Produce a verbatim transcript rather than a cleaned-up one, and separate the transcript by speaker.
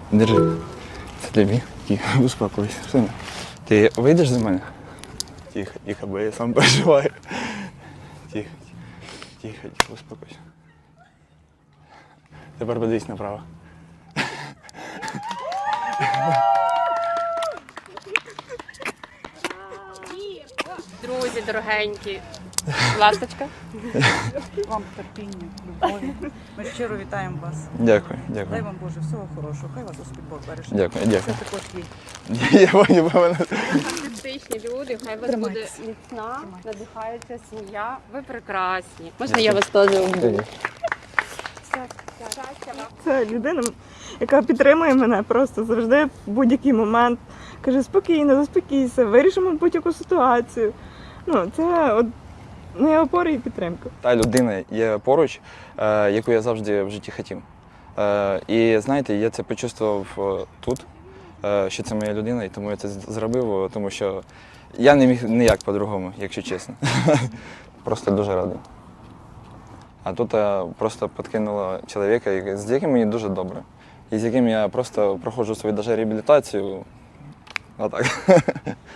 Speaker 1: Держи. Це тобі. Тихо, успокойся. Сина. Ти вийдеш за мене? Тихо, тихо, бо я сам переживаю. Тихо, тихо, тихо, успокойся. Тепер подивись направо.
Speaker 2: Друзі, дорогенькі, ласточка.
Speaker 3: Вам терпіння, любові. Ми щиро вітаємо вас.
Speaker 1: Дякую,
Speaker 3: Дай
Speaker 1: дякую.
Speaker 3: вам Боже всього хорошого. Хай вас Господь Бог береже.
Speaker 1: Дякую, дякую.
Speaker 3: Це також є.
Speaker 1: Я поняв, мене.
Speaker 2: Фантастичні люди, хай вас буде
Speaker 3: Тримайтеся.
Speaker 2: міцна, надихається сім'я. Ви прекрасні. Можна я вас теж обійму?
Speaker 4: Це людина, яка підтримує мене просто завжди в будь-який момент. Каже, спокійно, заспокійся, вирішимо будь-яку ситуацію. Ну, це от моя опора і підтримка.
Speaker 1: Та людина є поруч, е, яку я завжди в житті хотів. Е, і знаєте, я це почувствував е, тут, е, що це моя людина, і тому я це з- зробив, е, тому що я не міг ніяк по-другому, якщо чесно. Просто дуже радий. А тут е, просто підкинуло чоловіка, який- з яким мені дуже добре. І з яким я просто проходжу свою даже реабілітацію. Отак.